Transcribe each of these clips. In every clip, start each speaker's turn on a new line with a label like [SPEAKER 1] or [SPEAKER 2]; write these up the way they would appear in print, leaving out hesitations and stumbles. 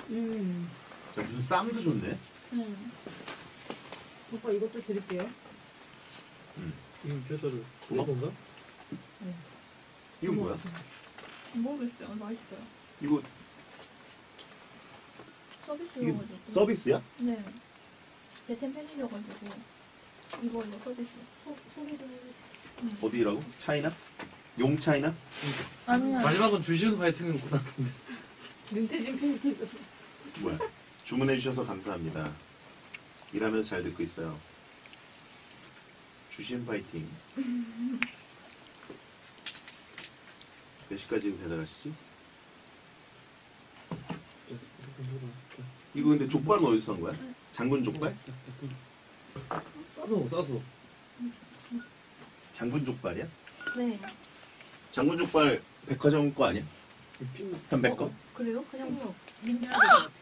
[SPEAKER 1] 자, 무슨 쌈도 좋네.
[SPEAKER 2] 오빠 이것도 드릴게요.
[SPEAKER 3] 지금 겨자를 구워 건가?
[SPEAKER 1] 이건 뭐야?
[SPEAKER 4] 모르겠어요. 맛있어요.
[SPEAKER 1] 이거 이게
[SPEAKER 4] 서비스여가지고.
[SPEAKER 1] 서비스야?
[SPEAKER 4] 네. 대템 팬이셔가지고. 이거 서비스. 소리를.
[SPEAKER 1] 어디라고? 차이나? 용 차이나?
[SPEAKER 4] 아니야.
[SPEAKER 3] 마지막은 주시는 파이팅은 구나 근데.
[SPEAKER 2] 눈태진 팬이
[SPEAKER 1] 뭐야? 주문해 주셔서 감사합니다. 일하면서 잘 듣고 있어요. 주신 파이팅. 몇 시까지 배달하시지? 이거 근데 족발은 어디서 산 거야? 장군 족발?
[SPEAKER 3] 싸서.
[SPEAKER 1] 장군 족발이야?
[SPEAKER 4] 네.
[SPEAKER 1] 장군 족발 백화점 거 아니야? 현백 거?
[SPEAKER 4] 그래요? 그냥 뭐.
[SPEAKER 2] 민주할 것 같아.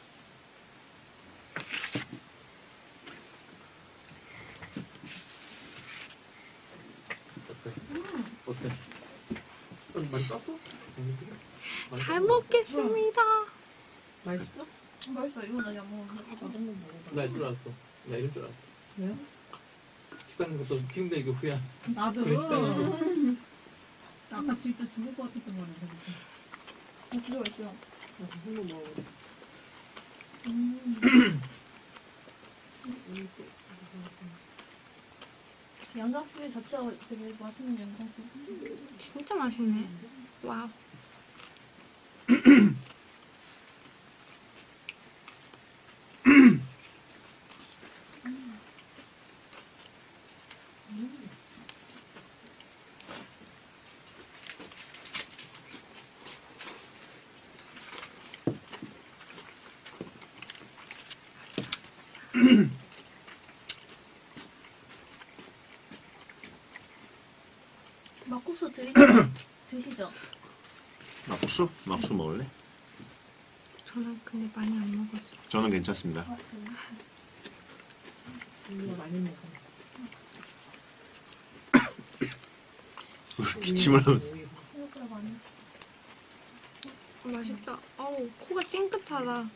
[SPEAKER 3] 어때? 많이 쌌어?
[SPEAKER 5] 잘 먹겠습니다.
[SPEAKER 2] 맛있어?
[SPEAKER 4] 맛있어. 이거 나 양먹었는데.
[SPEAKER 2] 저 정도 먹어봐.
[SPEAKER 3] 나 이럴 줄 알았어. 나 이럴 줄 알았어.
[SPEAKER 2] 왜요?
[SPEAKER 3] 식당 가서 팀들 이거 후야.
[SPEAKER 2] 나도.
[SPEAKER 3] 그래, 식당에서.
[SPEAKER 2] 아까 진짜 죽을 것 같았던 거는
[SPEAKER 4] 진짜 맛있어요.
[SPEAKER 2] 한번 먹어.
[SPEAKER 4] 양상추 자체가 되게 맛있는 양상추.
[SPEAKER 5] 진짜 맛있네. 와우.
[SPEAKER 4] 막국수 드시죠?
[SPEAKER 1] 막수? 막수 먹을래?
[SPEAKER 5] 저는 근데 많이 안 먹었어요.
[SPEAKER 1] 저는 괜찮습니다.
[SPEAKER 4] 아, 그래요?
[SPEAKER 2] 이거 많이 먹어.
[SPEAKER 1] 기침을 하면서.
[SPEAKER 4] 생각보다 많이.
[SPEAKER 5] 맛있다. 어우, 코가 찡긋하다.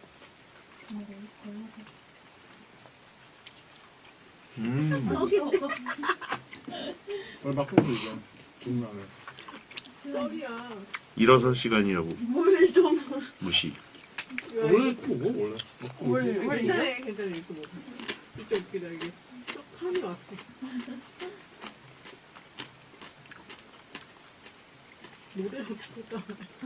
[SPEAKER 4] 여기 먹어.
[SPEAKER 3] 오늘 막국수 이거. 중간에.
[SPEAKER 2] 썰이야.
[SPEAKER 1] 일어서 시간이라고
[SPEAKER 2] 뭘 좀.
[SPEAKER 1] 무시.
[SPEAKER 3] 원래 또 뭐? 원래.
[SPEAKER 2] 괜찮아, 괜찮아. 이거 먹어. 진짜 웃기다, 이게. 쏙 한이 왔어. 노래를 부르다.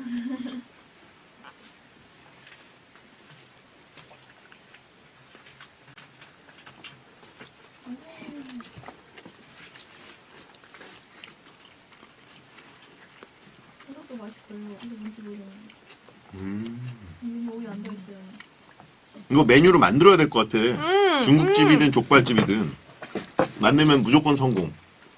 [SPEAKER 4] 이것도 맛있어요. 이게 뭔지 모르겠는데. 여기 앉아있어요.
[SPEAKER 1] 이거 메뉴로 만들어야 될 것 같아. 중국집이든 족발집이든 만들면 무조건 성공.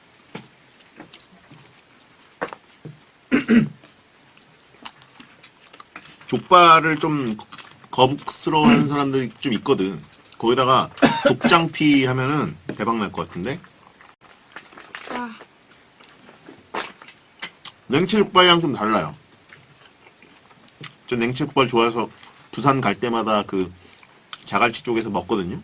[SPEAKER 1] 족발을 좀 거북스러워하는 사람들이 좀 있거든. 거기다가 족장피 하면은 대박 날 것 같은데.
[SPEAKER 5] 와,
[SPEAKER 1] 냉채 족발이랑 좀 달라요. 저 냉채 족발 좋아해서 부산 갈 때마다 그 자갈치 쪽에서 먹거든요.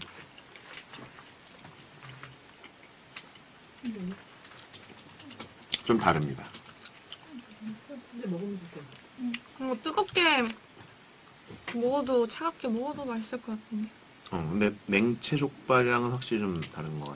[SPEAKER 1] 좀 다릅니다.
[SPEAKER 2] 근데 먹으면 좋대.
[SPEAKER 5] 이거 뜨겁게 먹어도, 차갑게 먹어도 맛있을 것 같은데.
[SPEAKER 1] 근데 냉채 족발이랑은 확실히 좀 다른 것 같아.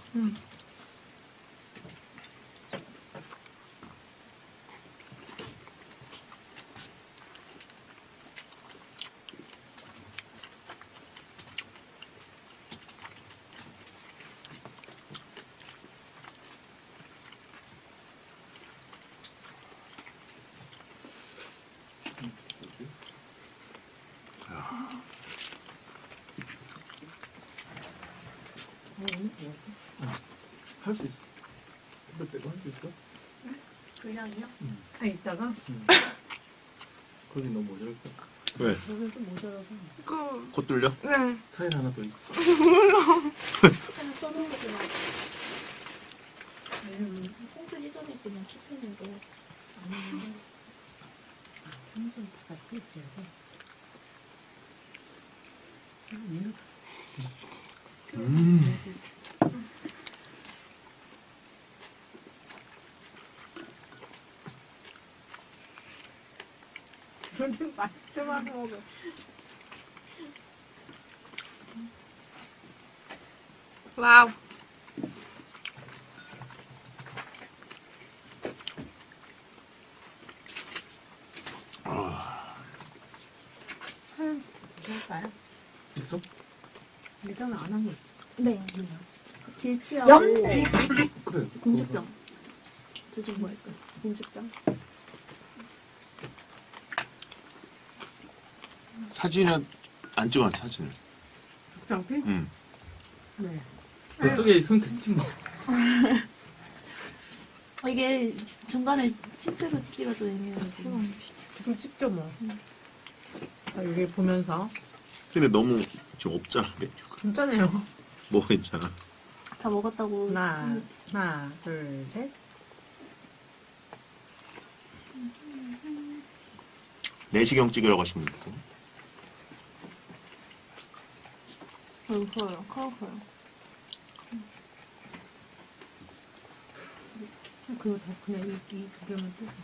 [SPEAKER 3] 할 수 있어. 근데 빼고 할 수 있어?
[SPEAKER 4] 분량이요?
[SPEAKER 2] 아, 이따가?
[SPEAKER 3] 거기 너무 모자랄까?
[SPEAKER 1] 왜?
[SPEAKER 2] 저는 좀 모자라서.
[SPEAKER 5] 그,
[SPEAKER 1] 코 뚫려?
[SPEAKER 5] 네.
[SPEAKER 3] 사일 하나 더 있어.
[SPEAKER 4] 그냥 써놓은 거 그냥. 왜냐면 콩트 시전에 그냥 치킨인데.
[SPEAKER 2] 항상 같이 있어야 돼. 요즘 맛있지만 먹어.
[SPEAKER 5] 와우.
[SPEAKER 2] 그럴까요?
[SPEAKER 3] 있어?
[SPEAKER 2] 일단은 안 한 거 있지.
[SPEAKER 4] 네. 질치하고
[SPEAKER 3] 그래.
[SPEAKER 4] 공주병. 저좀 뭐랄까? 공주병.
[SPEAKER 1] 사진은 안 찍어놨지, 사진을.
[SPEAKER 2] 장피?
[SPEAKER 1] 응.
[SPEAKER 2] 네.
[SPEAKER 3] 뱃속에 있으면 됐지 뭐.
[SPEAKER 4] 이게 중간에 침체로 찍기가 좀 애매해서.
[SPEAKER 2] 그 찍죠 뭐. 자, 여기 보면서
[SPEAKER 1] 근데 너무 지금 없잖아, 메뉴가.
[SPEAKER 2] 진짜네요.
[SPEAKER 1] 뭐가 있잖아.
[SPEAKER 4] 다 먹었다고.
[SPEAKER 2] 하나, 둘, 셋.
[SPEAKER 1] 내시경 찍으려고 하시면 있고.
[SPEAKER 4] 커요. 커요.
[SPEAKER 2] 그거 다 그냥 이두 개만 또.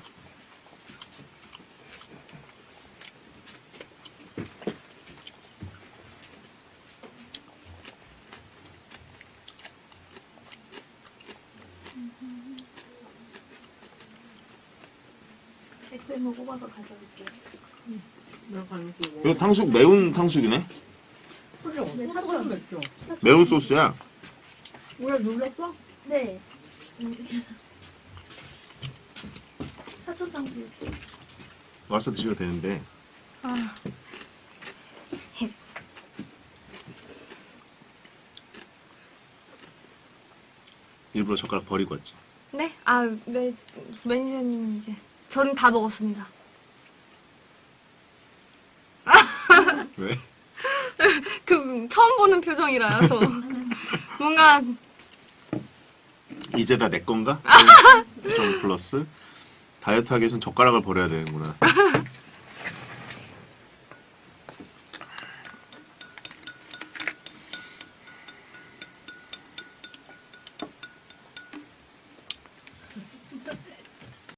[SPEAKER 4] FM을 뽑아서 가져올게요.
[SPEAKER 2] 내가 이거
[SPEAKER 1] 이거 탕수육, 매운 탕수육이네?
[SPEAKER 2] 그죠?
[SPEAKER 4] 네,
[SPEAKER 2] 사천 맵죠?
[SPEAKER 1] 매운 소스야.
[SPEAKER 2] 왜 놀랬어?
[SPEAKER 4] 네. 사천탕수육이.
[SPEAKER 1] 와서 드셔도 되는데.
[SPEAKER 5] 아,
[SPEAKER 1] 일부러 젓가락 버리고 왔지.
[SPEAKER 5] 네? 아, 네. 매니저님이 이제. 전 다 먹었습니다.
[SPEAKER 1] 왜?
[SPEAKER 5] 그, 처음 보는 표정이라서. 뭔가,
[SPEAKER 1] 이제 다 내 건가? 좀 플러스. 다이어트 하기 위해선 젓가락을 버려야 되는구나.